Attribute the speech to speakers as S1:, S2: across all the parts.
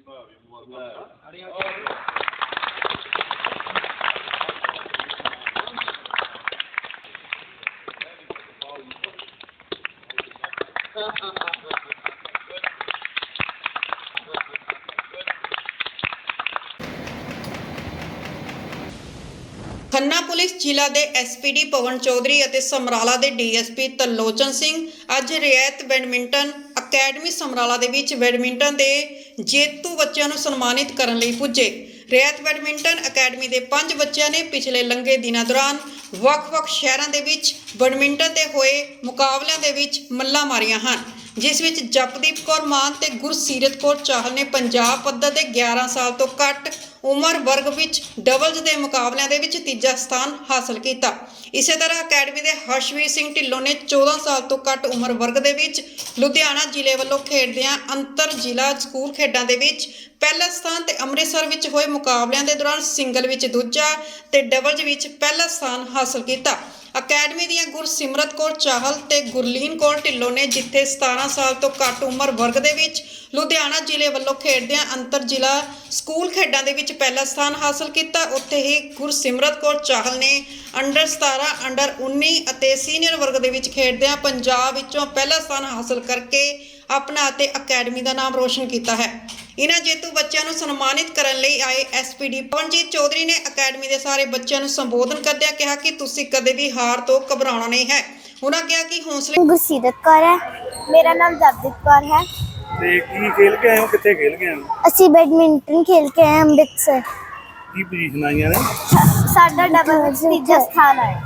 S1: Khanna police ਜ਼ਿਲ੍ਹਾ ਦੇ SPD ਪਵਨ ਚੌਧਰੀ ਅਤੇ ਸਮਰਾਲਾ ਦੇ ਡੀਐਸਪੀ ਤਰਲੋਚਨ ਸਿੰਘ ਅੱਜ ਰਿਆਤ ਬੈਡਮਿੰਟਨ ਅਕੈਡਮੀ ਸਮਰਾਲਾ ਦੇ ਵਿੱਚ ਬੈਡਮਿੰਟਨ ਦੇ ਜੇਤੂ ਬੱਚਿਆਂ ਨੂੰ ਸਨਮਾਨਿਤ ਕਰਨ ਲਈ ਪੁੱਜੇ। ਰਿਆਤ ਬੈਡਮਿੰਟਨ ਅਕੈਡਮੀ ਦੇ 5 ਬੱਚਿਆਂ ਨੇ ਪਿਛਲੇ ਲੰਘੇ ਦਿਨਾਂ ਦੌਰਾਨ ਵੱਖ-ਵੱਖ ਸ਼ਹਿਰਾਂ ਦੇ ਵਿੱਚ ਬੈਡਮਿੰਟਨ ਦੇ ਹੋਏ ਮੁਕਾਬਲਿਆਂ ਦੇ ਵਿੱਚ ਮੱਲਾਂ ਮਾਰੀਆਂ ਹਨ, ਜਿਸ ਵਿੱਚ ਜਪਦੀਪ ਕੌਰ ਮਾਨ ਤੇ ਗੁਰਸੀਰਤ ਕੌਰ ਚਾਹਲ ਨੇ ਪੰਜਾਬ ਪੱਧਰ ਦੇ 11 ਸਾਲ ਤੋਂ ਘੱਟ ਉਮਰ ਵਰਗ ਵਿੱਚ ਡਬਲਜ਼ ਦੇ ਮੁਕਾਬਲਿਆਂ ਦੇ ਵਿੱਚ ਤੀਜਾ ਸਥਾਨ ਹਾਸਲ ਕੀਤਾ। ਇਸੇ ਤਰ੍ਹਾਂ ਅਕੈਡਮੀ ਦੇ ਹਰਸ਼ਵੀਰ ਸਿੰਘ ਢਿੱਲੋਂ ਨੇ 14 ਸਾਲ ਤੋਂ ਘੱਟ ਉਮਰ ਵਰਗ ਦੇ ਵਿੱਚ ਲੁਧਿਆਣਾ ਜ਼ਿਲ੍ਹੇ ਵੱਲੋਂ ਖੇਡਦਿਆਂ ਅੰਤਰ ਜ਼ਿਲ੍ਹਾ ਸਕੂਲ ਖੇਡਾਂ ਦੇ ਵਿੱਚ ਪਹਿਲਾ ਸਥਾਨ ਤੇ ਅੰਮ੍ਰਿਤਸਰ ਵਿੱਚ ਹੋਏ ਮੁਕਾਬਲਿਆਂ ਦੇ ਦੌਰਾਨ ਸਿੰਗਲ ਵਿੱਚ ਦੂਜਾ ਤੇ ਡਬਲਜ਼ ਵਿੱਚ ਪਹਿਲਾ ਸਥਾਨ ਹਾਸਲ ਕੀਤਾ। ਅਕੈਡਮੀ ਦੀਆਂ ਗੁਰਸਿਮਰਤ ਕੌਰ ਚਾਹਲ ਤੇ ਗੁਰਲੀਨ ਕੌਰ ਢਿੱਲੋਂ ਨੇ ਜਿੱਥੇ 17 ਸਾਲ ਤੋਂ ਘੱਟ ਉਮਰ ਵਰਗ ਦੇ ਵਿੱਚ ਲੁਧਿਆਣਾ ਜ਼ਿਲ੍ਹੇ ਵੱਲੋਂ ਖੇਡਦਿਆਂ ਅੰਤਰ ਜ਼ਿਲ੍ਹਾ ਸਕੂਲ ਖੇਡਾਂ ਦੇ ਵਿੱਚ ਪਹਿਲਾ ਸਥਾਨ ਹਾਸਲ ਕੀਤਾ, ਉੱਥੇ ਹੀ ਗੁਰਸਿਮਰਤ ਕੌਰ ਚਾਹਲ ਨੇ ਅੰਡਰ 17, ਅੰਡਰ 19 ਅਤੇ ਸੀਨੀਅਰ ਵਰਗ ਦੇ ਵਿੱਚ ਖੇਡਦਿਆਂ ਪੰਜਾਬ ਵਿੱਚੋਂ ਪਹਿਲਾ ਸਥਾਨ ਹਾਸਲ ਕਰਕੇ ਆਪਣਾ ਅਤੇ ਅਕੈਡਮੀ ਦਾ ਨਾਮ ਰੋਸ਼ਨ ਕੀਤਾ ਹੈ। ਇਹਨਾਂ ਜੇਤੂ ਬੱਚਿਆਂ ਨੂੰ ਸਨਮਾਨਿਤ ਕਰਨ ਲਈ ਆਏ ਐਸਪੀਡੀ ਪਵਨਜੀਤ ਚੌਧਰੀ ਨੇ ਅਕੈਡਮੀ ਦੇ ਸਾਰੇ ਬੱਚਿਆਂ ਨੂੰ ਸੰਬੋਧਨ ਕਰਦਿਆਂ ਕਿਹਾ ਕਿ ਤੁਸੀਂ ਕਦੇ ਵੀ ਹਾਰ ਤੋਂ ਘਬਰਾਉਣਾ ਨਹੀਂ ਹੈ। ਉਹਨਾਂ ਕਿਹਾ ਕਿ ਹੌਸਲੇ
S2: ਗੁਰਸੀਰਤ ਕੌਰ ਹੈ, ਮੇਰਾ ਨਾਮ ਜਪਦੀਪ ਕੌਰ ਹੈ।
S3: ਤੇ ਕੀ ਖੇਲ ਕੇ ਆਏ ਹੋ, ਕਿੱਥੇ ਖੇਲ ਕੇ ਆਏ ਹੋ?
S2: ਅਸੀਂ ਬੈਡਮਿੰਟਨ ਖੇਲ ਕੇ ਆਏ ਅੰਮ੍ਰਿਤਸਰ।
S3: ਕੀ ਪੋਜੀਸ਼ਨ ਆਈਆਂ ਨੇ?
S2: ਸਾਡਾ ਡਬਲ ਵਿੱਚ ਤੀਜਾ ਸਥਾਨ ਆਇਆ।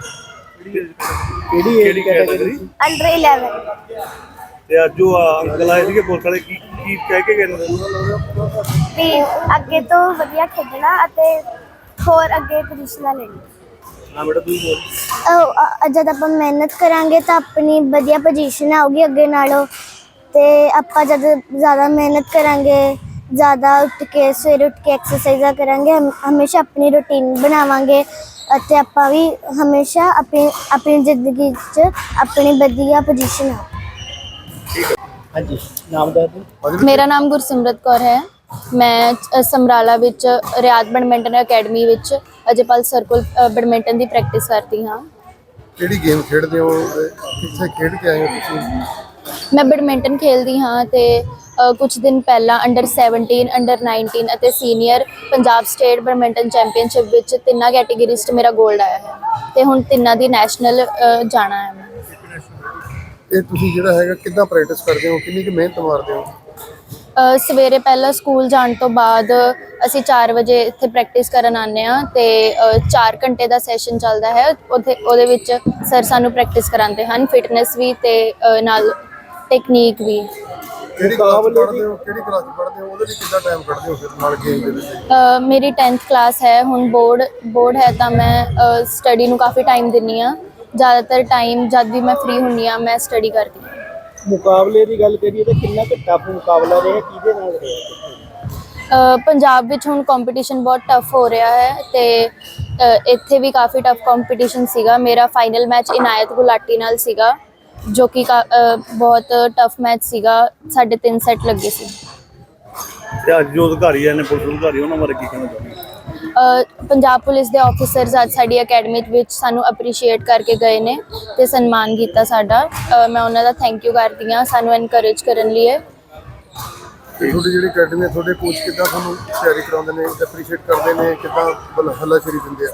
S3: ਕਿਹੜੀ ਕੈਟਾਗਰੀ?
S2: ਅੰਡਰ 11।
S3: ਤੇ ਅੱਜ ਉਹ ਅੰਕਲ ਆਏ ਸੀਗੇ ਪੁਲਿਸ ਵਾਲੇ, ਕੀ ਕਹਿ ਕੇ ਗਏ ਨੇ?
S2: ਤੇ ਅੱਗੇ ਤੋਂ ਵਧੀਆ ਖੇਡਣਾ ਅਤੇ ਹੋਰ ਅੱਗੇ ਪੋਜੀਸ਼ਨਾਂ ਲੈਣੀ।
S3: ਹਾਂ ਬੇਟਾ ਤੂੰ ਬੋਲ।
S2: ਜਦ ਆਪਾਂ ਮਿਹਨਤ ਕਰਾਂਗੇ ਤਾਂ ਆਪਣੀ ਵਧੀਆ ਪੋਜੀਸ਼ਨ ਆਊਗੀ ਅੱਗੇ ਨਾਲੋਂ। ਤੇ ਆਪਾਂ ਜਦ ਜ਼ਿਆਦਾ ਮਿਹਨਤ ਕਰਾਂਗੇ, ਜ਼ਿਆਦਾ ਉੱਠ ਕੇ ਸਵੇਰੇ ਉੱਠ ਕੇ ਐਕਸਰਸਾਈਜ਼ਾਂ ਕਰਾਂਗੇ, ਹਮੇਸ਼ਾ ਆਪਣੀ ਰੂਟੀਨ ਬਣਾਵਾਂਗੇ ਅਤੇ ਆਪਾਂ ਵੀ ਹਮੇਸ਼ਾ ਆਪਣੀ ਜ਼ਿੰਦਗੀ 'ਚ ਆਪਣੀ ਵਧੀਆ ਪੋਜੀਸ਼ਨ ਆ।
S3: ਹਾਂਜੀ, ਨਾਮ ਦੱਸ ਦਿਓ।
S4: ਮੇਰਾ ਨਾਮ ਗੁਰਸਿਮਰਤ ਕੌਰ ਹੈ। ਮੈਂ ਸਮਰਾਲਾ ਵਿੱਚ ਰਿਆਤ ਬੈਡਮਿੰਟਨ ਅਕੈਡਮੀ ਵਿੱਚ ਅਜੇਪਾਲ ਸਰਕਲ ਬੈਡਮਿੰਟਨ ਦੀ ਪ੍ਰੈਕਟਿਸ ਕਰਦੀ ਹਾਂ।
S5: ਕਿਹੜੀ ਗੇਮ ਖੇਡਦੇ ਹੋ, ਕਿੱਥੇ ਖੇਡ ਕੇ ਆਏ ਹੋ ਤੁਸੀਂ?
S4: ਮੈਂ ਬੈਡਮਿੰਟਨ ਖੇਡਦੀ ਹਾਂ ਤੇ ਕੁਝ ਦਿਨ ਪਹਿਲਾਂ ਅੰਡਰ 17, ਅੰਡਰ 19 ਅਤੇ senior Punjab state badminton championship ਵਿੱਚ ਤਿੰਨਾਂ ਕੈਟੇਗਰੀਜ਼ 'ਚ ਮੇਰਾ 골ਡ ਆਇਆ ਹੈ ਤੇ ਹੁਣ ਤਿੰਨਾਂ ਦੀ ਨੈਸ਼ਨਲ ਜਾਣਾ ਹੈ।
S5: ਇਹ ਤੁਸੀਂ ਜਿਹੜਾ ਹੈਗਾ ਕਿੱਦਾਂ ਪ੍ਰੈਕਟਿਸ ਕਰਦੇ ਹੋ, ਕਿੰਨੀ ਕੁ ਮਿਹਨਤ ਮਾਰਦੇ ਹੋ?
S4: ਸਵੇਰੇ ਪਹਿਲਾਂ ਸਕੂਲ ਜਾਣ ਤੋਂ ਬਾਅਦ ਅਸੀਂ 4 ਵਜੇ ਇੱਥੇ ਪ੍ਰੈਕਟਿਸ ਕਰਨ ਆਉਂਦੇ ਹਾਂ ਤੇ 4 ਘੰਟੇ ਦਾ ਸੈਸ਼ਨ ਚੱਲਦਾ ਹੈ। ਉਹਦੇ ਵਿੱਚ ਸਰ ਸਾਨੂੰ ਪ੍ਰੈਕਟਿਸ ਕਰਾਉਂਦੇ ਹਨ, ਫਿਟਨੈਸ ਵੀ ਤੇ ਨਾਲ ਟੈਕਨੀਕ ਵੀ।
S5: ਕਿਹੜੀ ਕਲਾਸ ਪੜ੍ਹਦੇ ਹੋ, ਕਿਹੜੀ ਕਲਾਸ ਪੜ੍ਹਦੇ ਹੋ, ਉਹਦੇ ਲਈ ਕਿੰਨਾ ਟਾਈਮ ਕੱਢਦੇ ਹੋ ਫਿਰ ਨਾਲ ਗੇਮ ਦੇ ਵਿੱਚ?
S4: ਮੇਰੀ 10th ਕਲਾਸ ਹੈ, ਹੁਣ ਬੋਰਡ ਹੈ ਤਾਂ ਮੈਂ ਸਟੱਡੀ ਨੂੰ ਕਾਫੀ ਟਾਈਮ ਦਿੰਦੀ ਹਾਂ। ਜ਼ਿਆਦਾਤਰ ਟਾਈਮ ਜਦ ਵੀ ਮੈਂ ਫ੍ਰੀ ਹੁੰਦੀ ਹਾਂ ਮੈਂ ਸਟੱਡੀ ਕਰਦੀ ਹਾਂ।
S3: ਮੁਕਾਬਲੇ ਦੀ ਗੱਲ ਕਰੀਏ ਤਾਂ ਕਿੰਨਾ ਕੁ ਟਫ ਮੁਕਾਬਲਾ ਰਿਹਾ, ਕਿਹਦੇ ਨਾਲ ਰਿਹਾ?
S4: ਪੰਜਾਬ ਵਿੱਚ ਹੁਣ ਕੰਪੀਟੀਸ਼ਨ ਬਹੁਤ ਟਫ ਹੋ ਰਿਹਾ ਹੈ ਤੇ ਇੱਥੇ ਵੀ ਕਾਫੀ ਟਫ ਕੰਪੀਟੀਸ਼ਨ ਸੀਗਾ। ਮੇਰਾ ਫਾਈਨਲ ਮੈਚ ਇਨਾਇਤ ਗੁਲਾਟੀ ਨਾਲ ਸੀਗਾ, ਜੋ ਕਿ ਬਹੁਤ ਟਫ ਮੈਚ ਸੀਗਾ। ਸਾਡੇ 3 ਸੈੱਟ ਲੱਗੇ ਸੀ।
S3: ਤੇ ਅੱਜ ਜੋ ਅਧਿਕਾਰੀ ਆਏ ਨੇ, ਪੁਲਿਸ ਅਧਿਕਾਰੀ, ਉਹਨਾਂ ਬਾਰੇ ਕੀ ਕਹਿਣਾ ਚਾਹੁੰਦੇ?
S4: ਪੰਜਾਬ ਪੁਲਿਸ ਦੇ ਆਫੀਸਰਸ ਅੱਜ ਸਾਡੀ ਅਕੈਡਮੀ ਵਿੱਚ ਸਾਨੂੰ ਅਪਰੀਸ਼ੀਏਟ ਕਰਕੇ ਗਏ ਨੇ ਤੇ ਸਨਮਾਨ ਕੀਤਾ ਸਾਡਾ। ਮੈਂ ਉਹਨਾਂ ਦਾ ਥੈਂਕ ਯੂ ਕਰਦੀ ਹਾਂ ਸਾਨੂੰ ਐਨਕਰੇਜ ਕਰਨ ਲਈ।
S5: ਤੇ ਤੁਹਾਡੀ ਜਿਹੜੀ ਅਕੈਡਮੀ ਹੈ, ਤੁਹਾਡੇ ਕੋਚ ਕਿੱਦਾਂ ਤੁਹਾਨੂੰ ਤਿਆਰੀ ਕਰਾਉਂਦੇ ਨੇ, ਅਪਰੀਸ਼ੀਏਟ ਕਰਦੇ ਨੇ, ਕਿੱਦਾਂ ਹੱਲਾਸ਼ੇਰੀ ਦਿੰਦੇ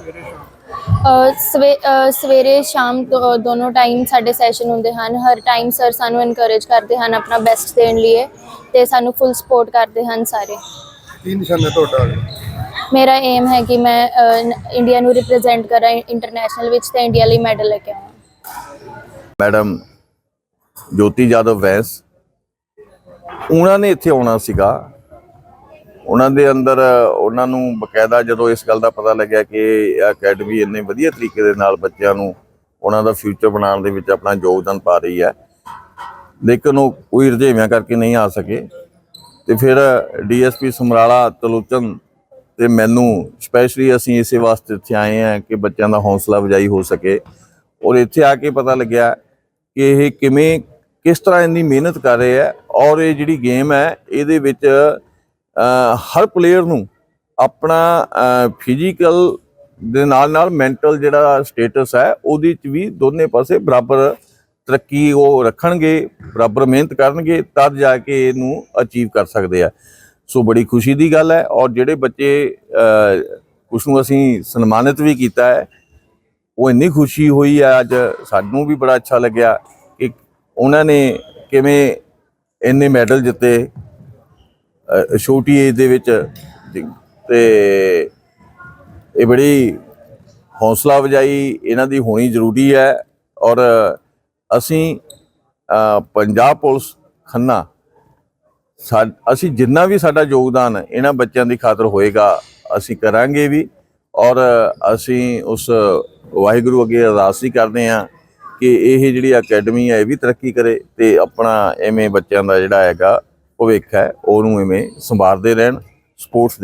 S5: ਆ?
S4: ਸਵੇਰੇ ਸ਼ਾਮ ਦੋਨੋਂ ਟਾਈਮ ਸਾਡੇ ਸੈਸ਼ਨ ਹੁੰਦੇ ਹਨ। ਹਰ ਟਾਈਮ ਸਰ ਸਾਨੂੰ ਐਨਕਰੇਜ ਕਰਦੇ ਹਨ ਆਪਣਾ ਬੈਸਟ ਦੇਣ ਲਈ ਤੇ ਸਾਨੂੰ ਫੁੱਲ ਸਪੋਰਟ ਕਰਦੇ ਹਨ ਸਾਰੇ।
S5: ਕੀ ਨਿਸ਼ਾਨਾ ਤੁਹਾਡਾ?
S4: ਮੇਰਾ ਏਮ ਹੈ ਕਿ ਮੈਂ ਇੰਡੀਆ ਨੂੰ ਰਿਪਰੈਜ਼ੈਂਟ ਕਰਾਂ ਇੰਟਰਨੈਸ਼ਨਲ ਵਿੱਚ ਤੇ ਇੰਡੀਆ ਲਈ ਮੈਡਲ ਲੈ ਕੇ ਆਵਾਂ।
S6: ਮੈਡਮ ਜੋਤੀ ਜਾਦਵ ਵੈਸ, ਉਹਨਾਂ ਨੇ ਇੱਥੇ ਆਉਣਾ ਸੀਗਾ। ਉਹਨਾਂ ਦੇ ਅੰਦਰ ਉਹਨਾਂ ਨੂੰ ਬਕਾਇਦਾ ਜਦੋਂ ਇਸ ਗੱਲ ਦਾ ਪਤਾ ਲੱਗਿਆ ਕਿ ਅਕੈਡਮੀ ਇੰਨੇ ਵਧੀਆ ਤਰੀਕੇ ਦੇ ਨਾਲ ਬੱਚਿਆਂ ਨੂੰ ਉਹਨਾਂ ਦਾ ਫਿਊਚਰ ਬਣਾਉਣ ਦੇ ਵਿੱਚ ਆਪਣਾ ਯੋਗਦਾਨ ਪਾ ਰਹੀ ਹੈ, ਲੇਕਿਨ ਉਹ ਕੋਈ ਰੁਝੇਵਿਆਂ ਕਰਕੇ ਨਹੀਂ ਆ ਸਕੇ। ਤੇ ਫਿਰ ਡੀਐਸਪੀ ਸਮਰਾਲਾ ਤਰਲੋਚਨ ਤੇ ਮੈਨੂੰ ਸਪੈਸ਼ਲੀ ਅਸੀਂ ਇਸੇ ਵਾਸਤੇ ਇੱਥੇ ਆਏ ਹਾਂ ਕਿ ਬੱਚਿਆਂ ਦਾ ਹੌਸਲਾ ਅਫਜ਼ਾਈ ਹੋ ਸਕੇ। ਔਰ ਇੱਥੇ ਆ ਕੇ ਪਤਾ ਲੱਗਿਆ ਕਿ ਇਹ ਕਿਸ ਤਰ੍ਹਾਂ ਇੰਨੀ ਮਿਹਨਤ ਕਰ ਰਹੇ ਹੈ। ਔਰ ਇਹ ਜਿਹੜੀ ਗੇਮ ਹੈ ਇਹਦੇ ਵਿੱਚ ਹਰ ਪਲੇਅਰ ਨੂੰ ਆਪਣਾ ਫਿਜ਼ੀਕਲ ਦੇ ਨਾਲ ਮੈਂਟਲ ਜਿਹੜਾ ਸਟੇਟਸ ਹੈ ਉਹਦੇ 'ਚ ਵੀ ਦੋਨੇ ਪਾਸੇ ਬਰਾਬਰ ਤਰੱਕੀ ਉਹ ਰੱਖਣਗੇ, ਬਰਾਬਰ ਮਿਹਨਤ ਕਰਨਗੇ, ਤਦ ਜਾ ਕੇ ਇਹਨੂੰ ਅਚੀਵ ਕਰ ਸਕਦੇ ਆ। ਸੋ ਬੜੀ ਖੁਸ਼ੀ ਦੀ ਗੱਲ ਹੈ। ਔਰ ਜਿਹੜੇ ਬੱਚੇ ਉਸ ਨੂੰ ਅਸੀਂ ਸਨਮਾਨਿਤ ਵੀ ਕੀਤਾ ਹੈ, ਉਹ ਇੰਨੀ ਖੁਸ਼ੀ ਹੋਈ ਹੈ ਅੱਜ, ਸਾਨੂੰ ਵੀ ਬੜਾ ਅੱਛਾ ਲੱਗਿਆ ਕਿ ਉਹਨਾਂ ਨੇ ਕਿਵੇਂ ਇੰਨੇ ਮੈਡਲ ਜਿੱਤੇ ਛੋਟੀ ਏਜ ਦੇ ਵਿੱਚ। ਤੇ ਇਹ ਬੜੀ ਹੌਸਲਾ ਅਫਜ਼ਾਈ ਇਹਨਾਂ ਦੀ ਹੋਣੀ ਜ਼ਰੂਰੀ ਹੈ। ਔਰ ਅਸੀਂ ਪੰਜਾਬ ਪੁਲਿਸ ਖੰਨਾ ਅਸੀਂ ਜਿੰਨਾ ਵੀ ਸਾਡਾ ਯੋਗਦਾਨ ਇਹਨਾਂ ਬੱਚਿਆਂ ਦੀ ਖਾਤਰ ਹੋਏਗਾ ਅਸੀਂ ਕਰਾਂਗੇ ਵੀ। ਔਰ ਅਸੀਂ ਉਸ ਵਾਹਿਗੁਰੂ ਅੱਗੇ ਅਰਦਾਸ ਹੀ ਕਰਦੇ ਹਾਂ ਕਿ ਇਹ ਜਿਹੜੀ ਅਕੈਡਮੀ ਹੈ ਇਹ ਵੀ ਤਰੱਕੀ ਕਰੇ ਤੇ ਆਪਣਾ ਐਵੇਂ ਬੱਚਿਆਂ ਦਾ ਜਿਹੜਾ ਹੈਗਾ ਭਵਿੱਖ ਹੈ ਉਹਨੂੰ ਐਵੇਂ ਸੰਵਾਰਦੇ ਰਹਿਣ। ਸਪੋਰਟਸ